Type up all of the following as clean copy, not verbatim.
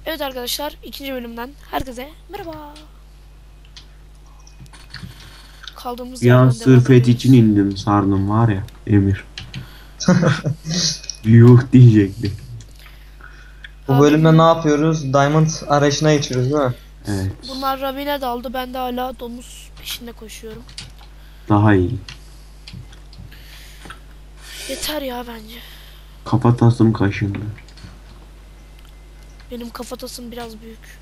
Evet arkadaşlar, ikinci bölümden herkese merhaba. Kaldığımız Bir an yerden devam sırf et için ediyoruz. indim sardım var ya Emir. Yuh diyecekti. Bu Abi bölümde ne yapıyoruz? Diamond arayışına geçiyoruz değil mi? Evet. bunlar Rabine daldı, ben de hala domuz peşinde koşuyorum. Daha iyi. Yeter ya bence. Kafatasım kaşındı. Benim kafatasım biraz büyük.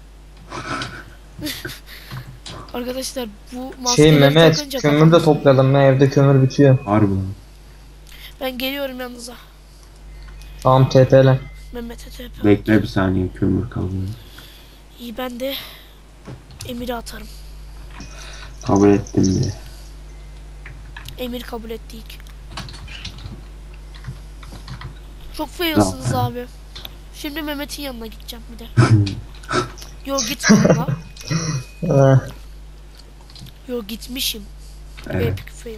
Arkadaşlar bu maskeleri Mehmet, takınca kömür kafam de ısınıyor. toplayalım ya, evde kömür bitiyor. Harbi lan. Ben geliyorum yanınıza. Tamam, TP'le. Mehmet'e TP. Bekle bir saniye kömür kalıyor. İyi, ben de Emir'i atarım. Kabul ettim de. Emir kabul ettik. Çok failsınız abi. Şimdi Mehmet'in yanına gideceğim bir de. Yo, gitmedim la. Ee, Yo, gitmişim. Evet. Epic fail.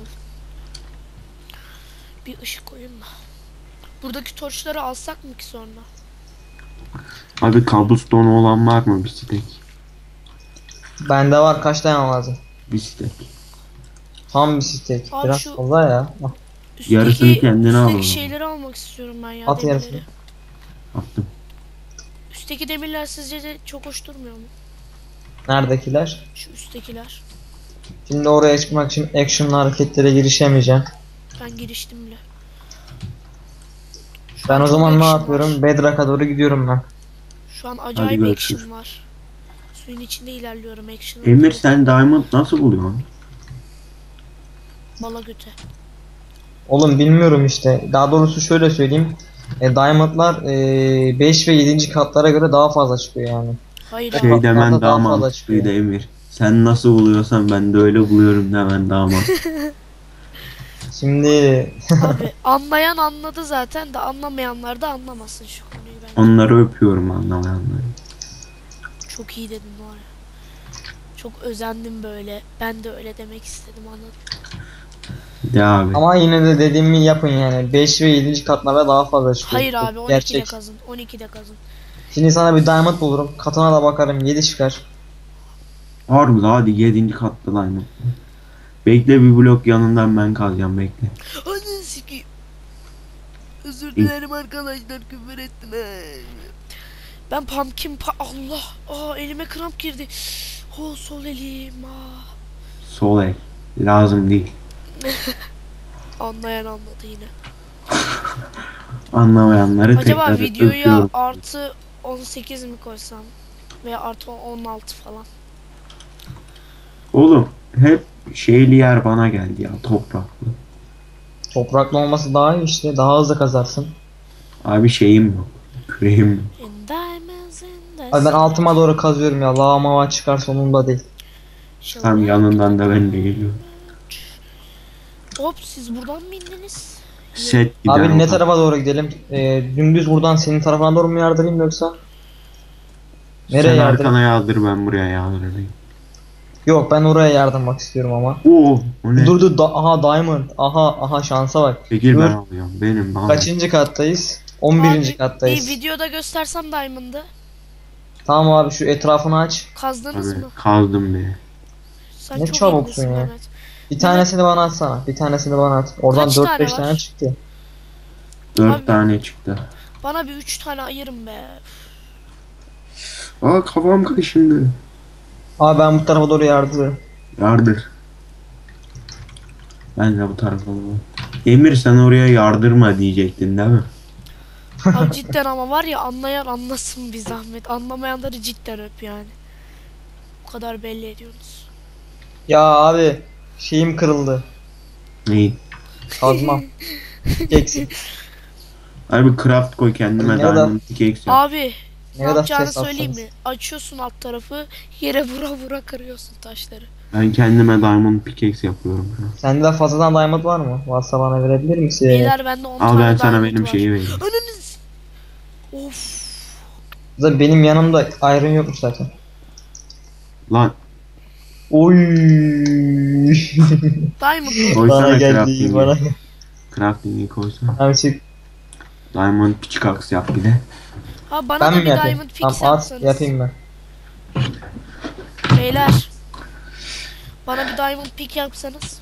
Bir ışık koyun da. Buradaki torçları alsak mı ki sonra? Abi cobblestone olan var mı bir stek? Bende var, kaç tane lazım? Bir stek. Tam bir stek. Abi Biraz şu- fazla ya. Ah, Yarısını kendine üstteki alalım. şeyleri almak istiyorum ben ya, At demirleri. yarısını. Attım. Üstteki demirler sizce de çok hoş durmuyor mu? Neredekiler? Şu üsttekiler. Şimdi oraya çıkmak için action'lı hareketlere girişemeyeceğim. Ben giriştim bile. Şu Ben an o çok zaman ne action yapıyorum? var. Bedrock'a doğru gidiyorum ben. Şu an acayip görüşürüz. action var. Suyun içinde ilerliyorum, action. Emir sen diamond nasıl buluyorsun? Bala göte. Oğlum bilmiyorum işte. Daha doğrusu şöyle söyleyeyim. Diamond'lar 5 ve 7. katlara göre daha fazla çıkıyor yani. Hayır Şey- abi. Şey demen Daha daha fazla mantıklıydı çıkıyor. Emir. Sen nasıl buluyorsan ben de öyle buluyorum demen daha mantıklı. Şimdi Abi anlayan anladı zaten de anlamayanlar da anlamasın şu konuyu bence. Onları öpüyorum anlamayanları. Çok iyi dedin var ya. Çok özendim böyle. Ben de öyle demek istedim, anladın. De abi. ama yine de dediğimi yapın yani. 5 ve 7. katlara daha fazla çıkıyor. Hayır abi, 12'de Gerçek. kazın. 12'de kazın. Şimdi sana bir diamond bulurum. Katına da bakarım, 7 çıkar. Harbi la, hadi 7. katta diamond. Bekle, bir blok yanından ben kazacağım, bekle. Anne sikeyim. Özür dilerim arkadaşlar, küfür ettim. Ben pumpkin Allah. Elime kramp girdi. Sol elim. Sol el. Lazım değil. Anlayan anladı yine. Anlamayanları Acaba tekrar videoya öpüyorum. artı 18 mi koysam? Veya artı 16 falan. Oğlum hep şeyli yer bana geldi ya, topraklı. Topraklı olması daha iyi işte. Daha hızlı kazarsın. Abi şeyim yok. Küreğim yok. In diamonds in the Abi ben altıma doğru kazıyorum ya. Lava mava çıkar sonunda değil. sky. Tam yanından da ben de geliyorum. Hop, siz buradan mı indiniz? Set gider. Abi ne o. tarafa doğru gidelim? Dümdüz buradan senin tarafına doğru mu yardırayım yoksa? Nereye Sen yardırayım? arkana yağdır, ben buraya yağdırayım. Yok, ben oraya yardırmak istiyorum ama. Oo, o ne? Dur dur, aha diamond. Aha şansa bak. Çekil, Dur. ben alıyorum. Benim bana. Kaçıncı kattayız? 11. Abi, kattayız. bir videoda göstersem Diamond'ı. Tamam abi, şu etrafını aç. Kazdınız Abi mı? kazdım be. Sen Ne çok çabuksun iyisin ya. Mehmet. Bir tanesini bana atsana. Bir tanesini bana at. Oradan Kaç 4-5 tane var? tane çıktı. 4 Abi- tane çıktı. Bana bir 3 tane ayırın be. Aa, kafam kaşındı. Abi ben bu tarafa doğru yardırıyorum. Yardır. Ben de bu tarafa doğru. Emir sen oraya yardırma diyecektin değil mi? Abi cidden, ama var ya, anlayan anlasın bir zahmet. Anlamayanları cidden öp yani. Bu kadar belli ediyorsunuz. Ya abi şeyim kırıldı. Neyi? Kazmam. Eksik. Abi craft koy kendime, Ne kadar- diamond pickaxe yap. Abi ne Ne kadar yapacağını ses söyleyeyim atsanız. mi? Açıyorsun alt tarafı, yere vura vura kırıyorsun taşları. Ben kendime diamond pickaxe yapıyorum şu an. Sende de fazladan diamond var mı? Varsa bana verebilir misin? Beyler bende 10 Al, tane ben sana diamond benim var. şeyi vereyim. Ananız. Of. Zaten benim yanımda iron yokmuş zaten. Lan Oy. Diamond mı? koysana Bana geldi, crafting'i. bana. Crafting'i koysana. Abi çık. Diamond pickaxe yap bir de. Ha bana Ben da mi bir yapayım? diamond Tamam picks at yapsanız. yapayım ben. Beyler. Bana bir diamond pick yapsanız.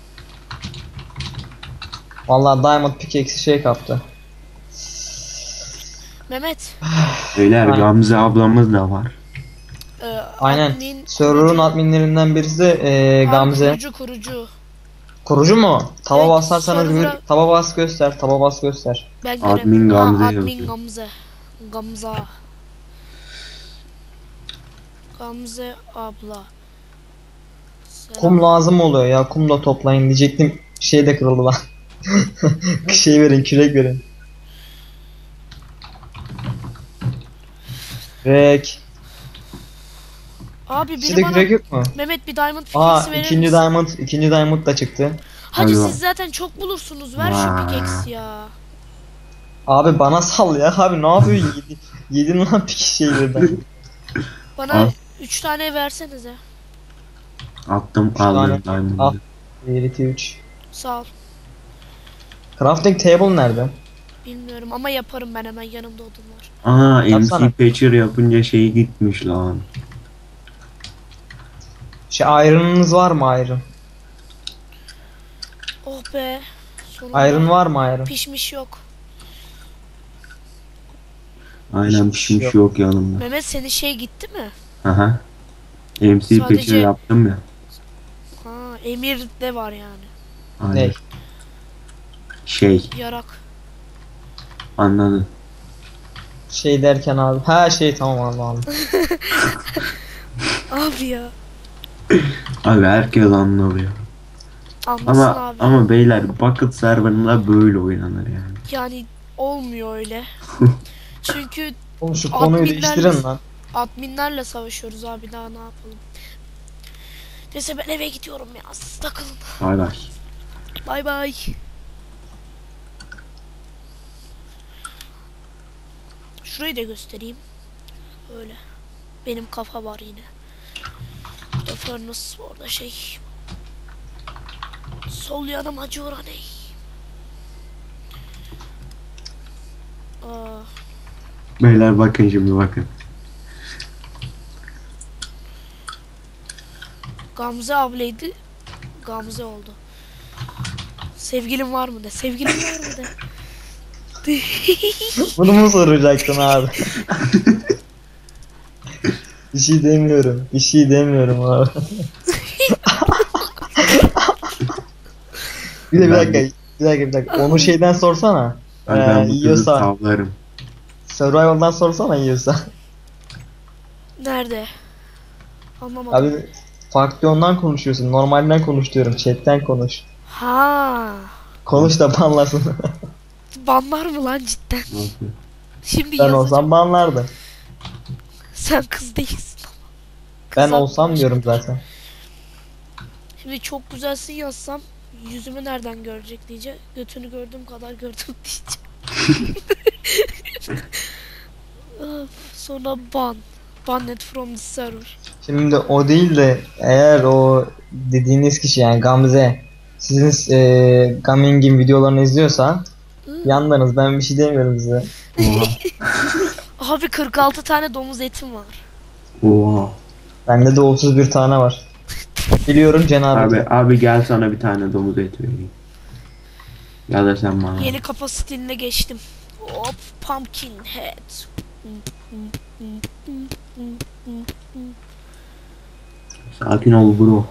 Vallahi Diamond pickaxe şey kaptı. Mehmet. Beyler Aynen. Gamze ablamız da var. Aynen. Admin Server'ın kurucu. adminlerinden birisi de Abi Gamze. kurucu. Kurucu mu? Taba Evet, basarsanız server'a- taba bas göster. Taba bas göster. Ben Admin göremiyorum. Gamze Admin yazıyor. Gamze. Gamza. Gamze abla. Selam. Kum lazım oluyor ya. Kum da toplayın diyecektim. Şey de kırıldı lan. Şey verin, kürek verin. Kürek. Abi biri Sizde bana kürek yok mu? Mehmet bir diamond Aa, pickaxe verir misin? ikinci diamond da çıktı. Hadi Hadi siz zaten çok bulursunuz. Ver şu Vay. pickaxe ya. Abi bana sal ya. Abi ne yapıyorsun? Yedin lan pik şeylerden. Bana Al. 3 tane versenize. Attım Üç tane. aldım Al. diamond'ı. 1, 2, 3. Sağ ol. Crafting table nerede? Bilmiyorum ama yaparım, ben hemen yanımda odun var. Aa Yapsana. MC Patcher yapınca şeyi gitmiş lan. Şey iron'ınız var mı iron? Oh be. Sonunda Iron var mı iron? pişmiş yok. Aynen Hiçbir şey pişmiş yok yanımda. Mehmet senin şey gitti mi? Aha. MC Sadece- Patcher yaptım ya. Ha, Emir de var yani. Aynen. Ne? Şey Yarak. anladın. Şey derken abi. Ha şey tamam anladım. Abi ya. Abi herkes anlıyor. Anlasın Ama abi. ama beyler Bucket serverında böyle oynanır yani. Yani olmuyor öyle. Çünkü Oğlum şu konuyu Adminler- değiştirin lan. adminlerle savaşıyoruz abi, daha ne yapalım. Neyse ben eve gidiyorum ya. Siz takılın. Bay bay. Bay bay. Şurayı da göstereyim. Öyle. Benim kafa var yine. Burada furnace, orada şey. Sol yanım acıyor hani. Aa, Beyler bakın şimdi bakın. Gamze ablaydı. Gamze oldu. Sevgilim var mı de. Sevgilim var mı de. Bunu mu soracaktın abi? Bir şey demiyorum. Bir şey demiyorum abi. Bir dakika. Onu şeyden sorsana. Ben bu kızı Yiyorsa. tavlarım. Survival'dan sorsana yiyorsa. Nerede? Anlamadım. Abi faksiyondan konuşuyorsun. Normalden konuş diyorum. Chatten konuş. Ha. Konuş da banlasın. Banlar mı lan cidden? Nasıl? Şimdi Ben yazacağım. olsam banlardı. Sen kız değilsin. Ben Kız olsam arkadaş. diyorum zaten. Şimdi çok güzelsin yazsam yüzümü nereden görecek diyecek. Götünü gördüğüm kadar gördüm diyecek. Of, sonra ban. Banned from the server. Şimdi o değil de eğer o dediğiniz kişi yani Gamze sizin Gaming'in videolarını izliyorsa yandınız, ben bir şey demiyorum size. Oha. Abi 46 tane domuz etim var. Oha. Bende de 31 tane var. Biliyorum cenab-ı Hak. Abi gel sana bir tane domuz eti vereyim. Ya da sen bana. Yeni kafa stiline geçtim. Hop, pumpkin head. Sakin ol bro.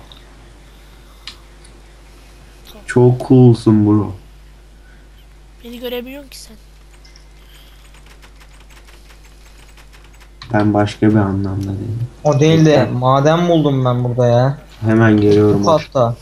Çok coolsun bro. Beni görebiliyorsun ki sen. Ben başka bir anlamda değilim. O değil de maden buldum ben burada ya. Hemen geliyorum. Bu katta.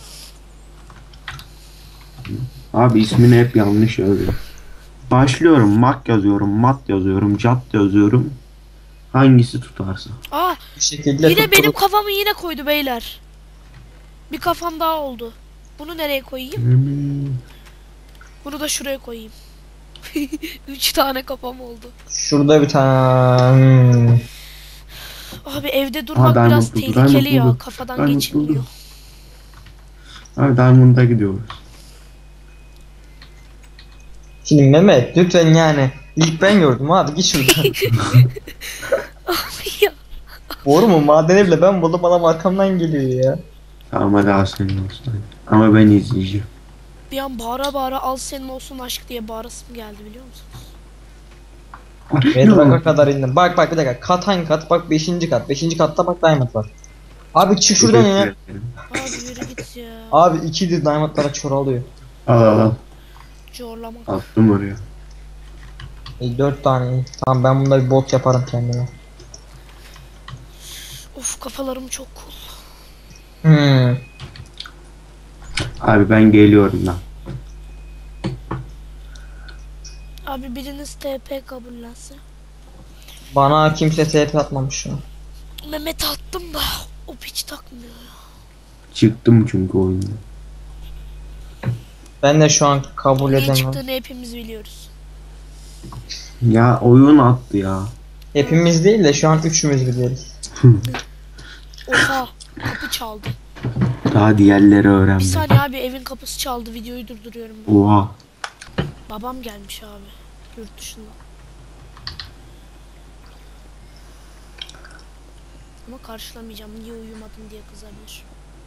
Abi ismini hep yanlış yazıyor. Başlıyorum. Mak yazıyorum. Mat yazıyorum. Cat yazıyorum. Hangisi tutarsa. Aa, Bir şekilde yine benim tutturup- kafamı yine koydu beyler. Bir kafam daha oldu. Bunu nereye koyayım? Bunu da şuraya koyayım. 3 tane kafam oldu. Şurada bir tane. Abi evde durmak Diamond biraz buldu, tehlikeli Diamond ya. buldu. Kafadan Diamond geçilmiyor. buldu. Abi Diamond'a gidiyoruz. Şimdi Mehmet lütfen yani İlk ben gördüm abi, git şuradan. Ya, Doğru mu? Madeni bile ben buldum, adam arkamdan geliyor ya. Tamam hadi al senin olsun. Ama ben izleyeceğim. bir an bağıra bağıra al senin olsun aşk diye bağırasım geldi biliyor musun? Bedrock'a kadar indim. Bak bak bir dakika. Kat hangi kat? Bak 5. kat. 5. katta bak diamond var. Abi çık şuradan ya. Abi yürü git ya. Abi 2'dir diamondlara çoralıyor. Al al al. Zorlamak. Attım oraya. 4 tane iyi. Tamam, ben bunda bir bot yaparım kendime. Of kafalarım çok cool. Hmm. Abi ben geliyorum lan. Abi biriniz TP kabullense. Bana kimse TP atmamış şu an. Mehmet attım da o piç takmıyor ya. Çıktım çünkü oyundan. Ben de şu an kabul Niye edemem. çıktığını hepimiz biliyoruz. Ya oyun attı ya. Hepimiz değil de şu an üçümüz biliyoruz. Oha kapı çaldı. Daha diğerleri Bir öğrenmedi. saniye abi evin kapısı çaldı videoyu durduruyorum ben. Oha. Babam gelmiş abi yurt dışından. Ama karşılamayacağım niye uyumadın diye kızabilir.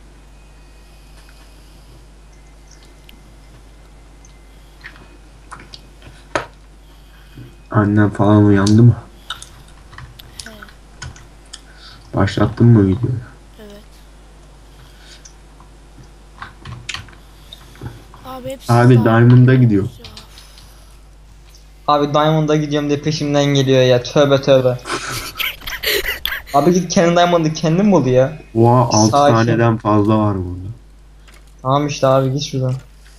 Annem falan uyandı mı? He Başlattın mı videoyu? evet. Abi hepsi Abi sağ- Diamond'a gidiyor. Ya. Abi Diamond'a gidiyorum diye peşimden geliyor ya. Tövbe tövbe. Abi git kendi Diamond'ı kendin bul ya. Oha 6 Sakin. taneden fazla var burada. Tamam işte abi, git şuradan.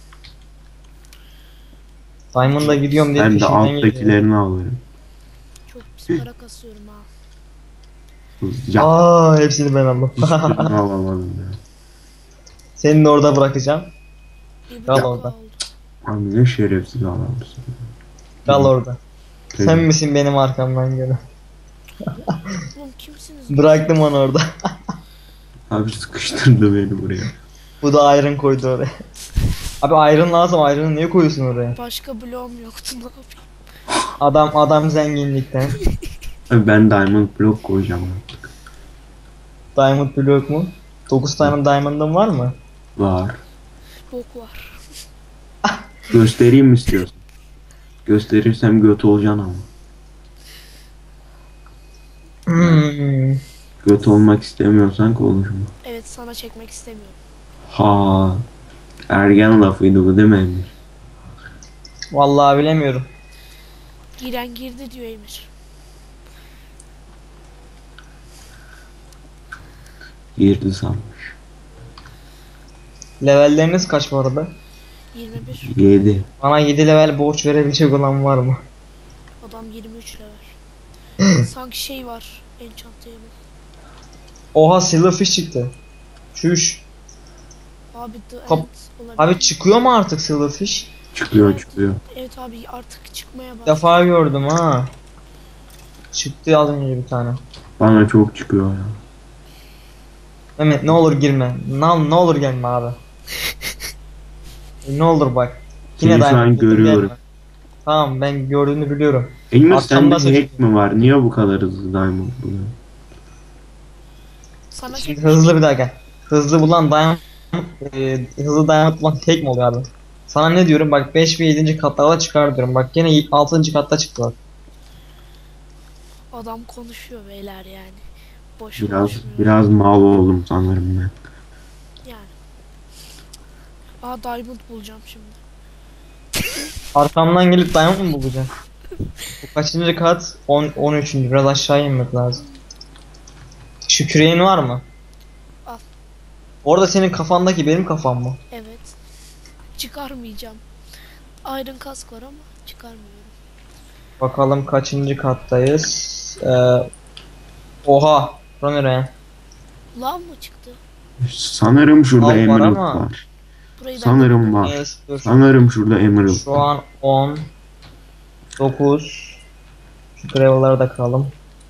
Diamond'a gidiyorum diye Ben de peşimden geliyor. alttakilerini alırım. Çok pis para kasıyorum ha. Hızlıca. Aa, hepsini ben aldım. Hiçbirini alamadım ya. Seni de orada bırakacağım. Bir Kal buçuk orada. oldu. Abi ne şerefsiz adamsın. Kal orada. Sen Evet. misin benim arkamdan gelen? Oğlum kimsiniz? Bıraktım onu orada. Abi sıkıştırdı beni buraya. Bu da iron koydu oraya. Abi iron lazım. Iron'ı niye koyuyorsun oraya? Başka bloğum yoktu ne yapayım? Adam zenginlikten. Abi ben diamond block koyacağım artık. Diamond block mu? 9 tane diamond'ın var mı? Var. Bok var. Göstereyim mi istiyorsun? Gösterirsem göt olacaksın ama. Hmm. Göt olmak istemiyorsan konuşma. Evet sana çekmek istemiyorum. Ha. Ergen lafıydı bu değil mi Emir? Vallahi bilemiyorum. Giren girdi diyor Emir. Girdi sanmış. Levelleriniz kaç bu arada? 21. 7. Bana 7 level borç verebilecek olan var mı? Adam 23 level. Sanki şey var. Enchant table. Oha, silverfish çıktı. Çüş. Abi the Kap- end olabilir. Abi çıkıyor mu artık silverfish? Çıkıyor Evet. çıkıyor. Evet abi artık çıkmaya Bir başladı. defa gördüm ha. Çıktı az önce bir tane. Bana çok çıkıyor ya. Mehmet ne olur girme. Ne olur gelme abi. Ne olur bak. Seni şu an diamond buldum, görüyorum. gelme. Tamam, ben gördüğünü biliyorum. Emir Arkamda sende hack seçtim. mi var? Niye bu kadar hızlı diamond buluyor? Sana Şimdi çekmiş. hızlı bir dakika. Hızlı bulan diamond, hızlı diamond bulan tek mi oluyor abi? Sana ne diyorum bak, 5 ve 7. katlarda çıkar diyorum. Bak gene 6. katta çıktılar. Adam konuşuyor beyler yani. Boş Biraz konuşmuyor. biraz mal oldum sanırım ben. Yani. Aa diamond bulacağım şimdi. Arkamdan gelip diamond mı bulacak? Bu kaçıncı kat? 13. Biraz aşağı inmek lazım. Şu küreğin var mı? Al. Orada senin kafandaki benim kafam mı? Evet. Çıkarmayacağım. Iron kask var ama çıkarmıyorum. Bakalım kaçıncı kattayız? Oha. Bura nereye? Lav mı çıktı? Sanırım şurada Al var emerald ama. var. Burayı ben Sanırım var. Yes, dur. Sanırım şurada emerald. Şu an 10 9. Şu gravel'lara da kıralım.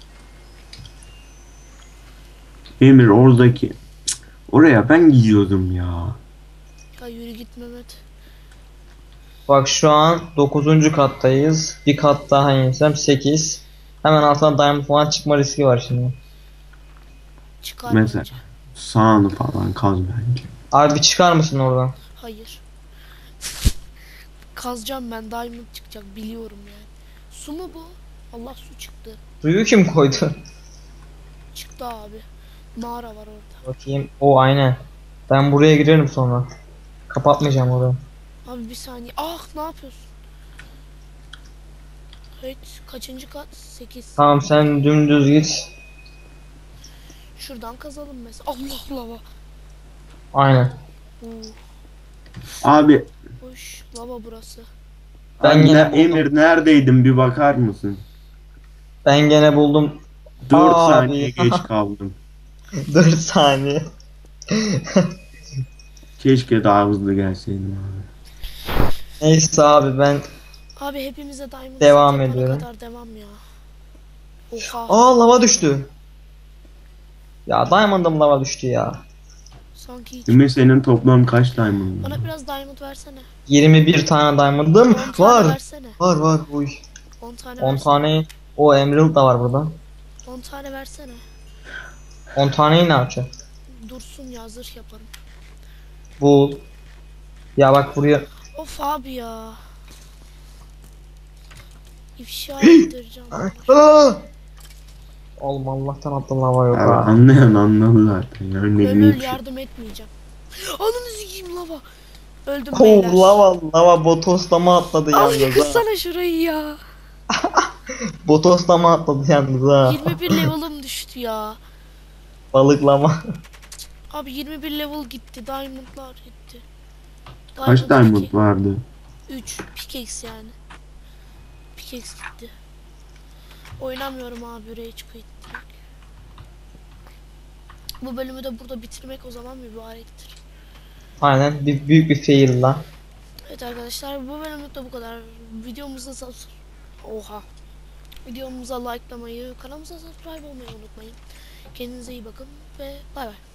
Emir oradaki. Cık, oraya ben gidiyordum ya. Ya yürü git Mehmet. Bak şu an 9. kattayız. Bir kat daha insem 8. Hemen altına diamond falan çıkma riski var şimdi. Çıkar Mesela bence. sağını falan kaz bence. Abi çıkar mısın oradan? Hayır. Kazacağım ben, diamond çıkacak biliyorum yani. Su mu bu? Allah, su çıktı. Suyu kim koydu? Çıktı abi. Mağara var orada. Bakayım. O aynen. Ben buraya girerim sonra. Kapatmayacağım orayı. Abi bir saniye. Ah, ne yapıyorsun? Evet, kaçıncı kat? 8. Tamam sen dümdüz git. Şuradan kazalım mesela. Allah, lava. Aynen. Oo, Abi, hoş. Lava burası. Ben abi yine buldum. Emir neredeydin bir bakar mısın? Ben gene buldum. 4 Abi. saniye geç kaldım. 4 saniye. Keşke daha hızlı gelseydin abi. Neyse abi ben Abi hepimize diamond Devam set yapana ediyorum. kadar devam ya. Oha. lava düştü. Ya diamond'ım lava düştü ya. Sanki hiç. Emir senin toplam kaç diamond var? Bana biraz diamond versene. 21 tane diamond'ım 10 tane var. versene. Var. Uy. 10 tane 10 versene. tane. O emerald da var burada. 10 tane versene. 10 taneyi ne yapacağım? Dursun ya, zırh yaparım. Bul. Ya bak buraya. Of abi ya. İfşa ettireceğim. Aa! Oğlum Allah'tan attım lava yok Abi ha. anlayan anladı zaten. Yani ne Öl büyük şey. yardım etmeyeceğim. Ananı sikeyim, lava. Öldüm Oh, beyler. lava botoslama atladı Al yalnız ha. yıkılsana şurayı ya. Botoslama atladı yalnız ha. 21 level'ım düştü ya. Balıklama. Abi 21 level gitti. Diamond'lar gitti. Kaç diamond vardı? 3. Pickaxe yani. Pickaxe gitti. Oynamıyorum abi, rage quit direkt. Bu bölümü de burada bitirmek o zaman mübarektir. Aynen büyük bir fail lan. Evet arkadaşlar, bu bölümlük de bu kadar. Videomuza Oha. Videomuza likelamayı, kanalımıza subscribe olmayı unutmayın. Kendinize iyi bakın ve bay bay.